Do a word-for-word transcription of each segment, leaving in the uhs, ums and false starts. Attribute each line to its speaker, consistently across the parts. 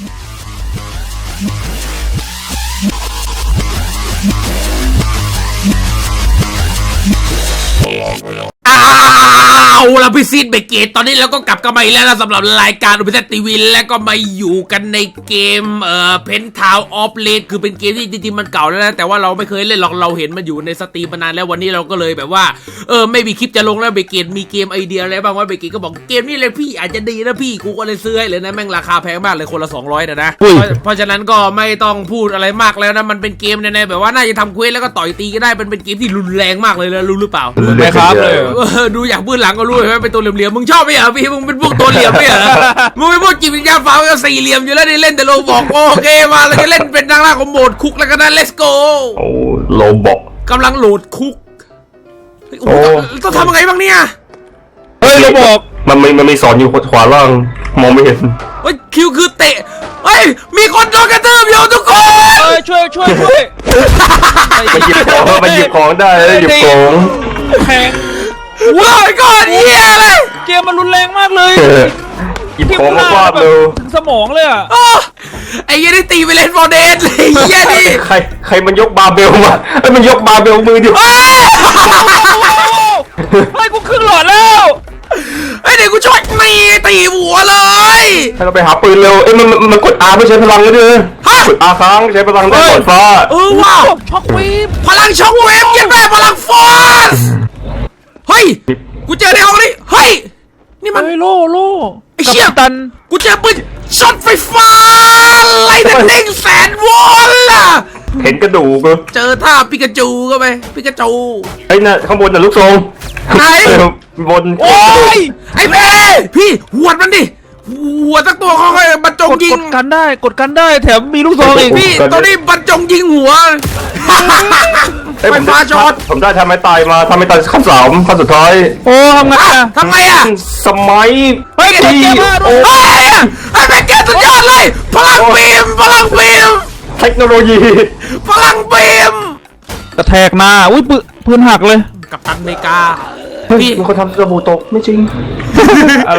Speaker 1: เอาละพี่ซีดเบเกตตอนนี้เราก็กลับกันมาอีกแล้วนะสำหรับรายการอุปเทศทีวีและก็มาอยู่กันในเกมเอ่อเพนทาวออฟเลดคือเป็นเกมที่จริงๆมันเก่าแล้วนะแต่ว่าเราไม่เคยเล่นหรอกเราเห็นมันอยู่ในสตรีมมานานแล้ววันนี้เราก็เลยแบบว่าเออไม่มีคลิปจะลงแล้วเบเกตมีเกมไอเดียอะไรบ้างว่าเบเกตก็บอกเกมนี้เลยพี่อาจจะดีนะพี่กูก็เลยซื้อให้เลยนะแม่งราคาแพงมากเลยคนละสองร้อยนะนะเพราะฉะนั้นก็ไม่ต้องพูดอะไรมากแล้วนะมันเป็นเกมในๆแบบว่าน่าจะทำเควสแล้วก็ต่อยตีก็ได้เป็นเป็นเกมที่รุนแรงมากเลยนะรู้หรือเปล่า
Speaker 2: ไม่ครับเลย
Speaker 1: ดูอยากบื้นหลังก็รู้ใช่ไหมเป็นตัวเหลี่ยมๆมึงชอบไหมอ่ะพี่มึงเป็นพวกตัวเหลี่ยมไหมอ่ะมึงเป็นพวกจิตวิญญาณฟ้าก็สี่เหลี่ยมอยู่แล้วนี่เล่นแต่โลบอกโอเคมาแล้วก็เล่นเป็นทางหน้าของโหมดคุกแล้วก็นั่น let's go
Speaker 2: โอ้โลบอก
Speaker 1: กำลังโหลดคุกโอ้ต้องทำยังไงบ้างเนี่ย
Speaker 2: เฮ้ยโลบอกมันมีมันมีสอนอยู่ขวาล่างมองไม่เห็น
Speaker 1: เฮ้ยคิวคือเตะเฮ้ยมีคนโดนกระทืบอยู่ทุกคน
Speaker 3: เฮ้ยช่วยช่วยช่วย
Speaker 2: มาหยิบของมาหยิบของได้หยิบของ
Speaker 3: แพง
Speaker 1: ว้าวก้อนเหี้ยเลย
Speaker 3: เกมมันรุนแรงมากเลย
Speaker 2: หยิบของมาฟาดเลย
Speaker 3: ถึงสมองเลยอ่ะ
Speaker 1: ไอ้เหี้ยนี่ตีไปเล่นฟอร์เดนเลยเหี้ยนี่
Speaker 2: ใครใครมันยกบาร์เบลมาไอ้มันยกบาร์เบลมือดิ
Speaker 3: เฮ้ยกูครึ่งหลอดแล้ว
Speaker 1: ไอ้เด็กกูช่วยนี่ตีหัวเลย
Speaker 2: ให้เราไปหาปืนเร็วเอ้ยมันมันกด R ไม่ใช้พลังเลยดิกด R ค้างใช้พลังได้กดฟ้า
Speaker 1: เออว้าว
Speaker 3: ช็อกเวฟ
Speaker 1: พลังช็อกเวฟยังได้พลังฟอสเฮ้ยกูเจอในห้องนี้เฮ้ยนี่มัน
Speaker 3: โล่โล่
Speaker 1: ไอ้เชี่ย
Speaker 3: ตัน
Speaker 1: กูเจอปืนช็อตไฟฟ้าไล่เด้งแสนวอลล่ะ
Speaker 2: เห็นกระดูก
Speaker 1: เจอท่าปิกาจูก็ไปปิกาจู
Speaker 2: ไอ้น่ะข้างบนน่ะลูกทรง
Speaker 1: ไหน
Speaker 2: บน
Speaker 1: โอ้ยไอ้เพ่พี่หวดมันดิหัวสักตัวเขาให้บรรจงยิง
Speaker 3: กดกันได้กดกันได้แถมมีลูกซองอีก
Speaker 1: พี่ตอนนี้บรรจงยิงหัวไฟฟ้าช็อต
Speaker 2: ผมได้ทำไมตายมาทำไมตายขั้นสามขั้นสุดท้าย
Speaker 3: โอ้ทำไงอ่ะ
Speaker 1: ทำไงอ่ะ
Speaker 2: สมัย
Speaker 1: เฮ้ยเกมโอ้ยไอ้แม่เกมสุดยอดเลยพลังบีมพลังบีม
Speaker 2: เทคโนโลยี
Speaker 1: พลังบีม
Speaker 3: กระแทกหน้าอุ้ยปืนหักเลย
Speaker 1: กัปตันอเมริกา
Speaker 2: พี่มีคนทำสบู่ตกไม่จริง
Speaker 3: อะไร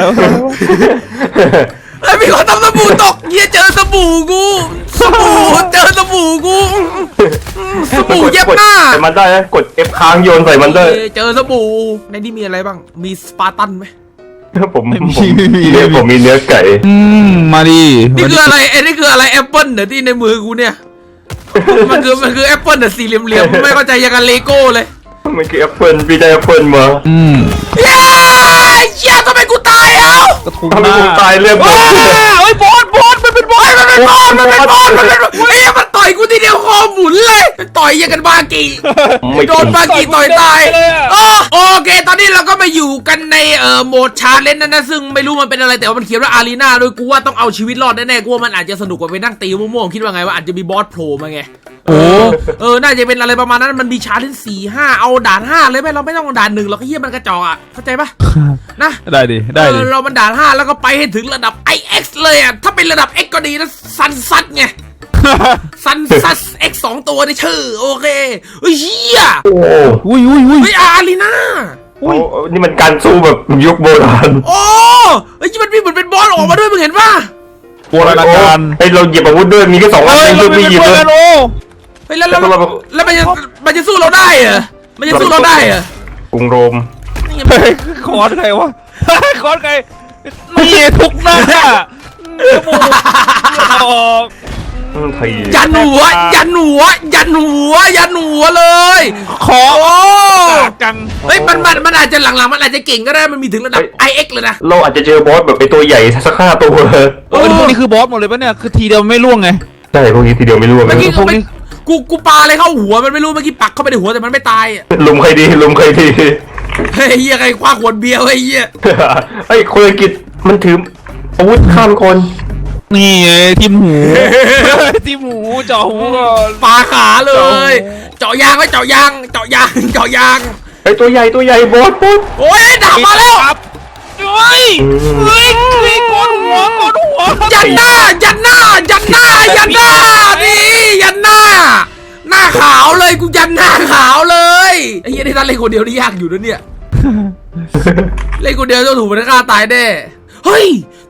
Speaker 1: ไอ้มีคนทำสบู่ตกเยี่ยเจอสบู่กูสบู่เจอสบู่กูสบู่เย็บหน้า
Speaker 2: ใส่มันได้กด F ค้างโยนใส่มันได้
Speaker 1: เจอสบู่ในนี้มีอะไรบ้างมีสปาร์ตันไหม
Speaker 2: ผมผมเนื้อผมมีเนื้อไก่
Speaker 3: อืมมาดิ
Speaker 1: นี่คืออะไรไอ้นี่คืออะไรแอปเปิ้ลเดี๋ยวที่ในมือกูเนี่ยมันคือมันคือแอปเปิ้ลแต่สี่เหลี่ยมๆไม่เข้าใจยังกันเลโก้เลย
Speaker 2: มันคือแอปเปิลพี่ได้แอปเปิลมา
Speaker 3: อืม
Speaker 1: เย้เชี่ยทำไมกูตายเอ้า
Speaker 2: ทำไมกูตายเรื่องบอส
Speaker 1: เฮ้ยบอสบอสมันเป็นบอสมันเป็นบอสมันเป็นบอสมันเป็นเฮ้ยมันต่อยกูทีเดียวคอหมุนเลยต่อยยังกันบากีโดนบากีต่อยตายโอเคตอนนี้เราก็มาอยู่กันในเอ่อโหมดชาเลนจ์นั่นนะซึ่งไม่รู้มันเป็นอะไรแต่ว่ามันเขียนว่าอารีนาโดยกูว่าต้องเอาชีวิตรอดแน่ๆกูว่ามันอาจจะสนุกกว่าไปนั่งตีม่วงๆคิดว่าไงว่าอาจจะมีบอสโผล่มาไง
Speaker 3: โอ้
Speaker 1: เออน่าจะเป็นอะไรประมาณนั้นมันมีชาร์จสี่ห้าเอาด่านห้าเลยไหมเราไม่ต้องด่านหนึ่งเราก็เฮี้ยมันกระจอกอ่ะเข้าใจปะนะ
Speaker 3: ได้ดิได้ดิ
Speaker 1: เรามันด่านห้าแล้วก็ไปให้ถึงระดับ ไอ เอ็กซ์ เลยอ่ะถ้าเป็นระดับ X ก็ดีนะซันซัดไงซันซัด X สองตัวในชื่อโอเคเฮ้ยเฮี้ย
Speaker 2: โอ้
Speaker 3: อุ้ยอุ้ยอุ้ย
Speaker 1: เฮ้ยอารีนา
Speaker 2: นี่มันการสู้แบบยุคโบราณ
Speaker 1: โอ้เฮ้ยมันมีเหมือนเป็นบอสออกมาด้วยมึงเห็นปะ
Speaker 3: โบราณการ
Speaker 2: ไอเราหยิบอาวุธด้วยมีแค่สองอันเลยไม่หยิบเลย
Speaker 1: เฮ้ยแล้วแล้วแล้วมันจะมันจะสู้เราได้เหรอมันจะสู้เราได้เหร
Speaker 2: อกรุงโรม
Speaker 3: คอร์สใครวะคอร์สใครนี่ทุกหน้าจมูกออก
Speaker 1: ยันหัวยันหัวยันหัวยันหัวเลย
Speaker 3: ขอ
Speaker 1: กังเฮ้ยมันมันมันอาจจะหลังๆมันอาจจะเก่งก็ได้มันมีถึงระดับ ไอ เอ็กซ์ เลยนะ
Speaker 2: เราอาจจะเจอบอสแบบไปตัวใหญ่สักห้าตัวเลย
Speaker 3: เออพวกนี้คือบอสหมดเลยปะเนี่ยคือทีเดียวไม่ล่วงไง
Speaker 2: ใช่พวกนี้ทีเดียวไม่ล่วง
Speaker 1: เมื่อกี้พวกนี้กูกูปาอะไรเข้าหัวมันไม่รู้เมื่อกี้ปักเข้าไปในหัวแต่มันไม่ตาย
Speaker 2: ลุมใครดีลุมใครดี
Speaker 1: เฮ้ยเหี้ยใครคว้าขวดเบียร์ไอ้เหี้ย
Speaker 2: ไอ้คนอังกฤษมันถืออาวุธข้ามคน
Speaker 3: นี่ทิมหูทิมหูเจาะหูก่อน
Speaker 1: ปาขาเลยเจาะยางไว้เจาะยางเจาะยางเจาะยาง
Speaker 2: ไอ้ตัวใหญ่ตัวใหญ่บอสปุ๊บ
Speaker 1: โอ้ยดาบมาแล้ว
Speaker 3: เฮ้ยเฮ้ยเฮ้ยกดหัวกดหัว
Speaker 1: ยันหน้ายันหน้ายันหน้ายันหน้านี่ยันหน้าหน้าขาวเลยกูยันหน้าขาวเลยไอ้เหี้ยที่ท่านเล่นคนเดียวนี่ยากอยู่นะเนี่ยเล่นคนเดียวจะถูกมันฆ่าตายแน่เฮ้ย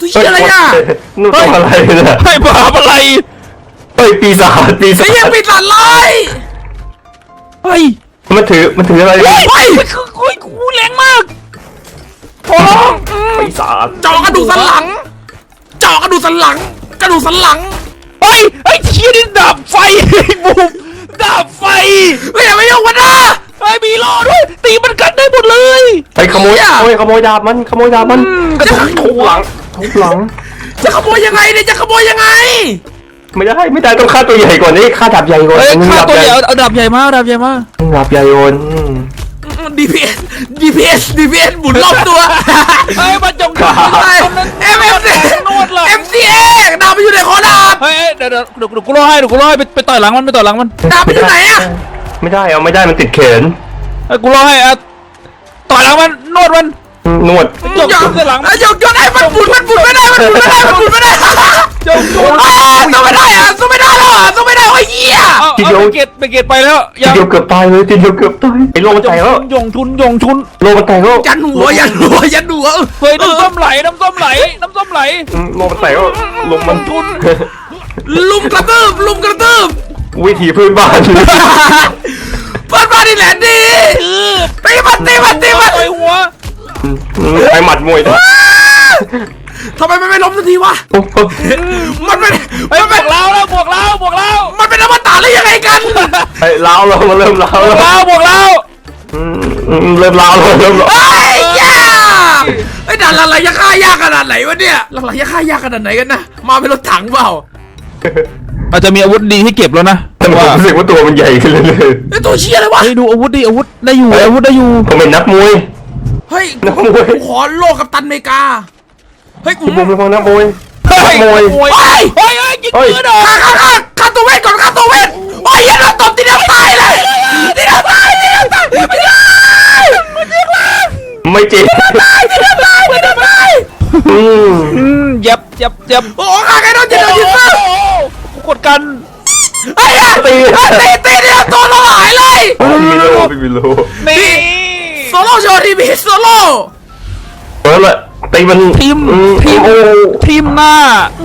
Speaker 1: ตัวเหี้ยอะไรอ่ะ
Speaker 2: นู่นตัวอะไรเนี่ย
Speaker 3: ให้บาปอะไร
Speaker 2: เฮ้ยปีศาจปีศา
Speaker 1: ไอ้
Speaker 2: จ
Speaker 1: เหี้ยปีศาจลาย
Speaker 3: เฮ้ย
Speaker 2: มันถือมันถืออะไร
Speaker 3: เฮ้ย
Speaker 1: เฮ้ย
Speaker 3: คือคุยกูแรงมากขอร้อง
Speaker 2: ปีศาจ
Speaker 1: เจาะกระดูกสันหลังเจาะกระดูกสันหลัง กระดูกสันหลัง
Speaker 3: เฮ้ยไอ้เชี่ยนี่ดาบไฟไอ้บูมดาบไฟ
Speaker 1: เฮ้ยอย่าไปยุ่งมันนะ
Speaker 3: ไอ้มีรอด้วยตีมันกันได้หมดเลย
Speaker 2: ไปขโมย
Speaker 1: เหี้ย
Speaker 2: โอ้ยขโมยดาบมันขโมยดาบมันกระทุบทุบหลังทุบหลัง
Speaker 1: จะขโมยยังไงเนี่ยจะขโมยยังไง
Speaker 2: ไม่ได้ไม่ได้ต้องฆ่าตัวใหญ่ก่อนนี่ฆ่าดาบใหญ่ก่อน
Speaker 3: เฮ้ยฆ่าตัวใหญ่เอาเอาดาบใหญ่มาเอาดาบใหญ่มา
Speaker 2: ดาบใหญ่โอน
Speaker 1: ดีพีเอส ดีพีเอส ดีพีเอสหมุนรอบตัว
Speaker 3: เฮ้ยมาจง
Speaker 1: เอ็มเอ็มซี
Speaker 3: นวดเลย
Speaker 1: เอ็มซีเอดาบมันอยู่ในคอดาบ
Speaker 3: เฮ้ยเดี๋ยวเดี๋ยวเดี๋ยวเดี๋ยวกูรอให้เดี๋ยวกูรอให้ไปไปต่อยหลังมันไปต่อยหลังมัน
Speaker 1: ดาบมันอยู่ไหนอะ
Speaker 2: ไม่ได้เอาไม่ได้มันติดแขน
Speaker 3: ไอ้กูรอให้อะต่อยหลังมันนวดมัน
Speaker 2: นวด
Speaker 3: จกจกเส้นหลัง
Speaker 1: อ่ะยกยกไอ้มันหมุนมันหมุนไม่ได้มันหมุนไม่ได้มันหมุนไม่ได้
Speaker 3: จงจง
Speaker 1: อ่าสู้ไม่ได้อะสู้ไม่ได้หรอสู้ไม่ได้โอ้ยเหี้ย
Speaker 3: เอาเอาไปเกตไปเกตไปแล้ว
Speaker 2: ทีเดียวเกือบตายเลยทีเดียวเกือบตายไอ้โลมัน
Speaker 3: จ
Speaker 2: แต
Speaker 3: ง
Speaker 2: กแล้ว
Speaker 3: ยงชุนยงชุน
Speaker 2: โลมันแตกแล้ว
Speaker 1: ยันหัวยันหัวยันหัว
Speaker 3: เฮ้ยน้ำส้มไหลน้ำส้มไหลน้ำส้มไหล
Speaker 2: อืมโลมันแตกแล้วลมมัน
Speaker 3: ชุน
Speaker 1: ลุมกระตืบลุมกระตืบ
Speaker 2: วิถีพื้นบ้าน
Speaker 1: เปิดบ้านนี่แหละดี
Speaker 3: คือ
Speaker 1: ตีมันตีมันตีมัน
Speaker 3: ต่อยหัว
Speaker 2: ไอ้หมัดมวยนะ
Speaker 1: ทำไมมันไม่ล้มสักทีวะ
Speaker 2: โอ้โห
Speaker 1: มันเป็น
Speaker 3: เฮ้ย
Speaker 1: มัน
Speaker 3: บ
Speaker 1: เป็
Speaker 3: วน กแล้วแล้วบวกแล้วบวกแล้ว
Speaker 1: มันเป็นอมตะหรือยังไงกัน
Speaker 2: ไอ้ล้าวเรามาเริ่มล้าว
Speaker 3: บว
Speaker 2: แล้ว
Speaker 3: กแล้วบวกแล้ว
Speaker 2: อืมอืมเริ่มล้าวแล้วเริ่มล้าว
Speaker 1: ไอ้ยาไอ้ด่านหลังๆจะฆ่ายากขนาดไหนวะเนี่ยหลังๆจะฆ่ายากขนาดไหนกันนะมาเป็นรถถังเปล่า
Speaker 3: อาจจะมีอาวุธดีให้เก็บแล้วนะ
Speaker 2: แต่ผมรู้สึกว่าตัวมันใหญ่ขึ้นเรื่อย
Speaker 1: ไอ้ตัวเชี่ยเลยวะ
Speaker 3: เฮ้ยดูอาวุธดิอาวุธได้อยู่อาวุธได้อยู่
Speaker 2: ๆผมเป็นนักมวย
Speaker 1: เฮ้ย
Speaker 2: นักมวย
Speaker 1: กูขอโลกกับตันอเมริกาเฮ้ยกู
Speaker 2: ผมเป็นนักมวย
Speaker 3: เฮ้
Speaker 2: นั
Speaker 3: ย
Speaker 2: กมวย
Speaker 3: เฮ้ยเฮ้ยเฮ้ยยิงปืนเหรอ
Speaker 1: ฆ่าฆ่าฆ่าฆ่าตัวเวทก่อนฆ่าตัวเวทโอ้ยยันเราตบทีเดียวตายเลยทีเดียวตายทีเดียวตายไม่ได้
Speaker 2: ไม่จริง
Speaker 1: ตายทีเดียวตายทีเดียวตาย
Speaker 2: อืม
Speaker 3: อืมเย็บเย็บเย็บ
Speaker 1: โอ้ฆ่าใครโดนจิตโดนจิตซะ
Speaker 3: กูกดกัน
Speaker 1: ไอ้ยันตีตีตีเดียวตัวเราหายเลย
Speaker 2: ไม่มีโลไม่มีโล
Speaker 3: นี่
Speaker 1: โซโล่โชว์ทีวีโซโล่
Speaker 2: เออละตีมัน
Speaker 3: ทีม
Speaker 2: อื
Speaker 3: ทีม
Speaker 2: โอ้
Speaker 3: ทีมหน้า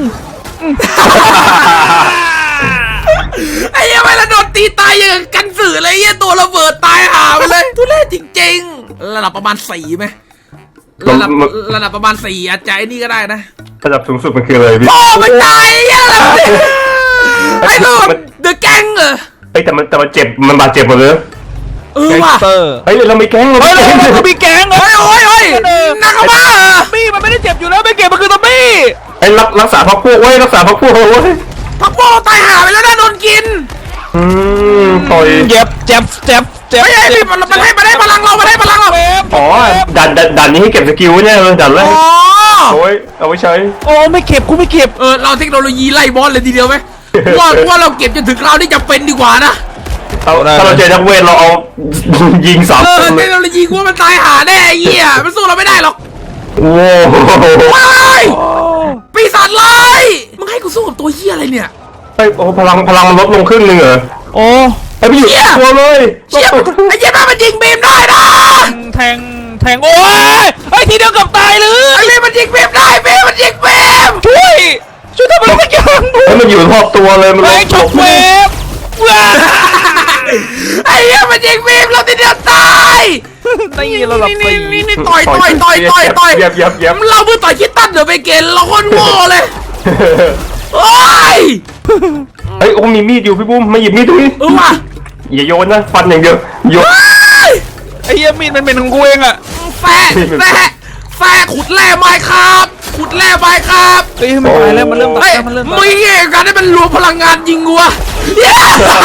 Speaker 1: ไอ้ยังไม่ละโดนตีตายอย่างกับกันสื่อเลยไอ้เหี้ยตัวระเบิดตายหาไปเลยทุเรศจริงๆระดับประมาณสี่ไหมระดับระดับประมาณสี่อาจจะไอ้นี่ก็ได้นะ
Speaker 2: ระดับสูงสุดมันคืออะไรพี่
Speaker 1: โอ้มันตายไอ้เหี้ยอะไรเนี่ยไอ้ตัวเดอะแก๊งเหรอ
Speaker 2: เฮ้ยแต่มันแต่มันเจ็บมันบาดเจ็บหมดเลย
Speaker 1: เออ
Speaker 3: แก๊ง
Speaker 1: ว่ะ
Speaker 3: สเตอร์
Speaker 2: เฮ้ยเราไม่แก๊งเรา
Speaker 3: เฮ้ย
Speaker 2: ไม่
Speaker 3: แล้ว
Speaker 2: แก๊ง
Speaker 3: มันก็มีแก๊งเหรอ
Speaker 1: โอ้ยโอ้ยโอ้ยนักเข้ามาเหรอ
Speaker 3: บี้มันไม่ได้เจ็บอยู่แล้วไม่เก็บมันคือตัวบี้
Speaker 2: ไอ้รักรักษาพักพวกไว้รักษาพักพวกเอาไว้
Speaker 1: พักพวกเราตายหาไปแล้วนะโดนกิน
Speaker 2: อืมต่อย
Speaker 3: เจ็บเจ็บเจ็บเจ็บ
Speaker 1: ไม่ใช่พี่มันมันให้มันให้พลังเรามันให้พลังเรา
Speaker 2: อ๋อดันดันดันนี้ให้เก็บสกิลเนี่ยเลยดันแร
Speaker 1: อ๋
Speaker 2: ก
Speaker 1: อ
Speaker 2: โอ้ยเอาไว้ใช้
Speaker 3: โอ้ไม่เก็บกูไม่เก็บ
Speaker 1: เออเราเทคโนโลยีไล่บอสเลยทีเดียวไหมว่าว่าเราเก็บจนถึงคราวที่จะเป็นดีกว่านะ
Speaker 2: เอาถ้าเราเจอนักเวทเราเอา ยิงสาม
Speaker 1: เออ
Speaker 2: คน
Speaker 1: เท
Speaker 2: เล
Speaker 1: ค
Speaker 2: ย
Speaker 1: โนโลยีกูว่ามันตายหาแน่ไอ้เหี้ยมันสู้เราไม่ได้หรอก
Speaker 2: โอ้โห
Speaker 1: ว้าย
Speaker 3: โอ้
Speaker 1: ปีศาจลายมึงให้กูสู้กับตัวเหี้ยอะไรเนี่ย
Speaker 2: ไอ้โอ้พลังพลังมันลดลงครึ่งหนึ่งเหรอ
Speaker 3: โอ้
Speaker 2: ไอ้พี่อยู่ตัวเลย
Speaker 1: เชี่ยไอ้เหี้ยแม่มันยิงบีมได้นะ
Speaker 3: แทงแทงโอ้ยไอ้ทีเดียวเกับตายเลย
Speaker 1: ไอ้บีมมันยิงบีมได้บีมมันยิงบีม
Speaker 3: ช่วยช่วยทำอะไรสักอย่าง
Speaker 2: ไอ้มันอยู่รอบตัวเลยมันล
Speaker 3: ไอ้
Speaker 2: ด
Speaker 3: ชกเวฟว้า
Speaker 1: ไอ้เหี้ยมันยิงบีมเราทีเดียวตาย
Speaker 3: นี่ระดับ
Speaker 1: นี่
Speaker 3: สี่
Speaker 1: นี่นี่ต่อยต่อยต่อยต่อยต่อย
Speaker 2: เย็บเย็บเย็บ
Speaker 1: เราเพิ่งต่อยคิดตันเดี๋ยวไปเกณฑ์เราคนโง่เลยโอ้ย
Speaker 2: เฮ้ยโอ้มีมีดอยู่พี่บุ้มมาหยิบมีดดูนี่
Speaker 1: เออว่ะ
Speaker 2: อย่าโยนนะฟันอย่างเดียวโยน
Speaker 1: เฮ้ย
Speaker 3: ไอ้เหี้ยมีดมันเป็นของกูเองอะ
Speaker 1: แฟะแฟะแฟะขุดแร่ไม้ครับขุดแร่ไม้ครับ
Speaker 3: เฮ้ยมันตายแล้วมันเริ่มตา
Speaker 1: เฮ้
Speaker 3: ย
Speaker 1: ย
Speaker 3: แล้วมันเริ่ม
Speaker 1: มึ
Speaker 3: ตาง ย
Speaker 1: เงี้ยกันให้มันรวมพลังงานยิงวัวเย้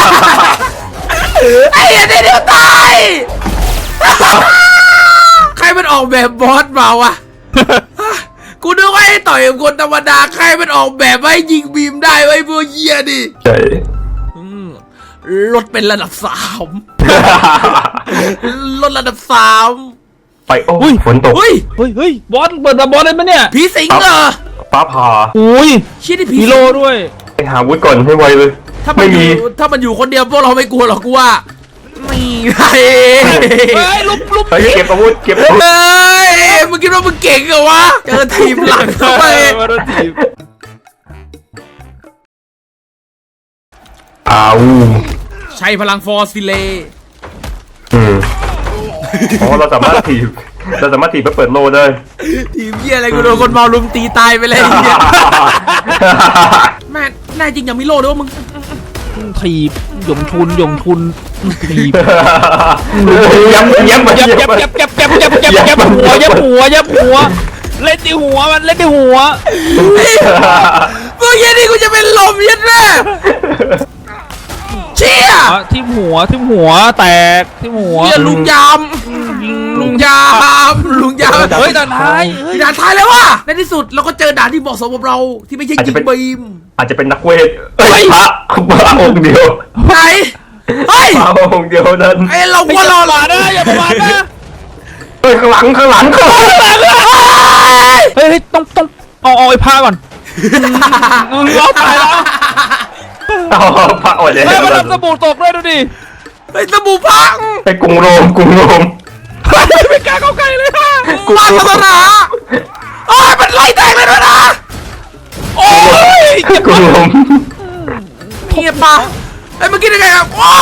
Speaker 1: ไอ้เหี้ยเดี๋ยวตายใครมันออกแบบบอสมาวะกูนึกว่าให้ต่อยกับคนธรรมดาใครมันออกแบบไว้ยิงบีมได้ไว้พวกเหี้ยดิ
Speaker 2: ใช่
Speaker 1: ลดเป็นระดับสามลดระดับสาม
Speaker 2: ไปโอ้ยฝนตก
Speaker 1: เฮ้ย
Speaker 3: เฮ้ยเฮ้ยบอสเปิดมาบอสเลยไหมเนี่ย
Speaker 1: ผีสิงเหรอ
Speaker 2: ฟ้าผ่า
Speaker 3: อุ้ย
Speaker 1: ชี้ที่ผี
Speaker 3: ฮี
Speaker 1: สิง
Speaker 3: โร่ด้วย
Speaker 2: ไปหาวุธก่อนให้ไวเลย
Speaker 1: ถ้ามั
Speaker 2: ไม่
Speaker 1: นอ
Speaker 2: มี
Speaker 1: ยู่ถ้ามันอยู่คนเดียวพวกเราไม่กลัวหรอกกูว่าแหมนี่ไง
Speaker 3: เฮ้ยลุกลุก
Speaker 2: เฮ้ยเก็บอาวุธเก็บอาวุธ
Speaker 1: เฮ้ยมึงคิดว่ามึงเก่งเหรอวะเจอทีมหลังเข้าไป
Speaker 3: มาโดนถีบ
Speaker 2: อ้าว
Speaker 1: ใช้พลังฟอร์ซิเล
Speaker 2: อืมอ๋อเราสามารถถีบเราสามารถถีบเพื่อเปิดโลได้
Speaker 1: ทีมเหี้ยอะไรกูโดนคนเมาลุมตีตายไปเลยเหี้ยแม่แน่จริงอย่ามีโล่ด้วยว่ามึง
Speaker 3: ถีบหยงชุนหยงชุนถีบ
Speaker 2: ย้ำย้ำมา
Speaker 3: ยับ
Speaker 2: ย้ำ
Speaker 3: ยับ
Speaker 2: มา
Speaker 3: ยับยับยับยับยับยับหัวยับหัวยับหัวเล่นที่หัวมันเล่นที่หัว
Speaker 1: เมื่อกี้นี่กูจะเป็นลมยัดแม่เชี่ย
Speaker 3: ทิ่มหัวทิ่มหัวแตกทิ่มหัว
Speaker 1: เหี้ยลุงยามลุงยามลุงยาม
Speaker 3: เฮ้ยด่านท้าย
Speaker 1: ด่านท้ายแล้วว่ะในที่สุดเราก็เจอด่านที่เหมาะสมกับเราที่ไม่ใช่ยิงบีม
Speaker 2: อาจจะเป็นนักเวทเอ้ยพระพระองค์เดียว
Speaker 1: ไหนเฮ้ย
Speaker 2: พระองค์เดียวนั้น
Speaker 1: ไอเรา
Speaker 3: ไม่
Speaker 1: ว่า
Speaker 3: อย่า
Speaker 1: เรา
Speaker 3: ประมาทนะอย่าประมาทนะ
Speaker 2: เฮ้ยข้างหลังข้างหลังข้างหลัง
Speaker 3: เฮ้ยต้องต้องเอาเอาไอ้ผ้าก่อนเราตายแล้ว
Speaker 2: อ๋อพระอ่อนแอ
Speaker 3: เฮ้ยมันทำสบู่ตกด้วยดูดิ
Speaker 1: ไอสบู่พัง
Speaker 2: ไปกรุงโรมกรุงโรม
Speaker 3: ไม่กล้าเข้าใกล้เลยค่ะ
Speaker 1: มาศาสนาโอ้ยมันไล่แตกเลยด้วยนะ
Speaker 3: โอ้ย
Speaker 2: กรุงโรม
Speaker 1: เงียบปะไอ้เมื่อกี้ยังไงครับว้าว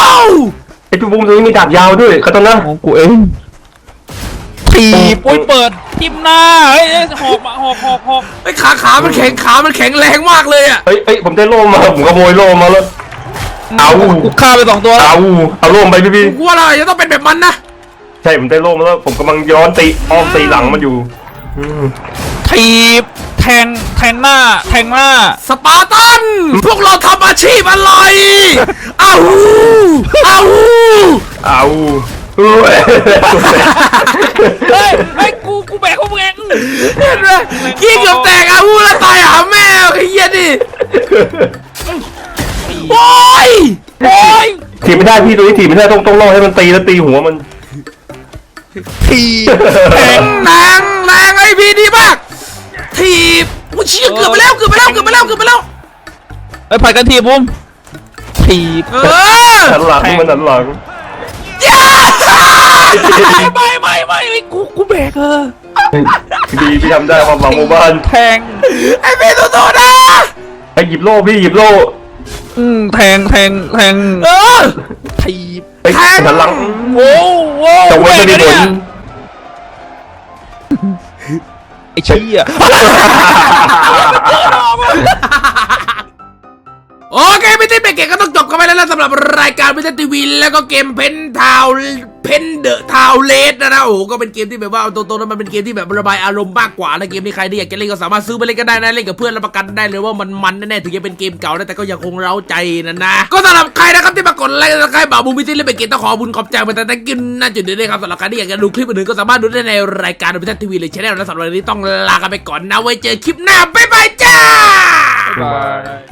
Speaker 2: ไอ้พี่บูมตรงนี้มีดาบยาวด้วยคาตานะ
Speaker 3: ของกูเองถีบปุ้ยเปิดทิมหน้าเฮ้ยหอกมาหอกหอกหอก
Speaker 1: ไอ้ขาขามันแข็งขามันแข็งแรงมากเลยอ่ะ
Speaker 2: เฮ้ยเฮ้ยผมได้โล่มาผมขโมยโล่มาแล้วเอา
Speaker 3: กูฆ่าไปสองตัวแล้ว
Speaker 2: เอาเอาโล่ไปพี่พี่
Speaker 1: กูว่าเราจะต้องเป็นแบบมันนะ
Speaker 2: ใช่ผมได้โล่มาแล้วผมกำลังย้อนตีอ้อมตีหลังมันอยู่อืม
Speaker 3: ถีบแทงแทงหน้าแทงหน้า
Speaker 1: สปาร์ตันพวกเราทำอาชีพอะไรอ้าวอ้าว
Speaker 2: เอาเฮ้ย
Speaker 3: เฮ้ยเฮ้ยกูกูแบกพวกมึงเอง
Speaker 1: เห็นไหมกี้เกือบแตกอาวูแล้วตายหาแม่ไอ้เหี้ยดิโอ้ย
Speaker 3: โอ้ย
Speaker 2: ถีบไม่ได้พี่ตัวนี้ถีบไม่ได้ต้องต้องล่อให้มันตีแล้วตีหัวมัน
Speaker 3: ถีบแทง
Speaker 1: แรงแรงไอพีดีมากถีบกูเชี่ยเกือบไปแล้วเกือบไปแล้วเกือบไปแล้วเกือบไปแล้ว
Speaker 3: เฮ้ยผัดกันถีบบุ้มถีบ
Speaker 1: เออ
Speaker 2: หันหลังมันหันหลัง
Speaker 3: ไม่ไม่ไม่ไม่กูกูแบกเออ
Speaker 2: ดีพี่ทำได้ความหวังหมู่บ้าน
Speaker 3: แทง
Speaker 1: ไอพีตัวโตนะ
Speaker 2: ไอ้หยิบโล่พี่หยิบโล่
Speaker 3: อืมแทงแทงแทง
Speaker 1: เออ
Speaker 3: ถีบ
Speaker 2: ไอ้หันหลัง
Speaker 3: โว้โว้
Speaker 2: แต่ว่าจะมีผล
Speaker 3: ไอ้เชี่ย
Speaker 1: โอเคไม่ได้เป็นเกมก็ต้องจบกันไปแล้วนะสำหรับรายการพิเศษทีวีแล้วก็เกมเพนทาวเพนเดอะทาวเลสนะนะโอ้โหก็เป็นเกมที่แบบว่าเอาตรงๆแล้วมันเป็นเกมที่แบบระบายอารมณ์มากกว่านะเกมนี้ใครที่อยากจะเล่นก็สามารถซื้อไปเล่นกันได้นะเล่นกับเพื่อนรับประกันได้เลยว่ามันมันแน่ๆถึงจะเป็นเกมเก่านะแต่ก็ยังคงเร้าใจนะนะก็สำหรับใครนะครับที่มากดไลค์และใครบ่าวบูมพิเศษเล่นเป็นเกมต้องขอบุญขอบใจมาแต่แต่กินน่าจุดนี้ด้วยครับสำหรับใครที่อยากจะดูคลิปอื่นๆก็สามารถดูได้ในรายการพิเศษทีวีเลยชแนลนะสำหรับวันนี้ต้องลากันไปก่อนนะไว้เจอคลิปหน้าบ๊ายบายจ้า
Speaker 3: บาย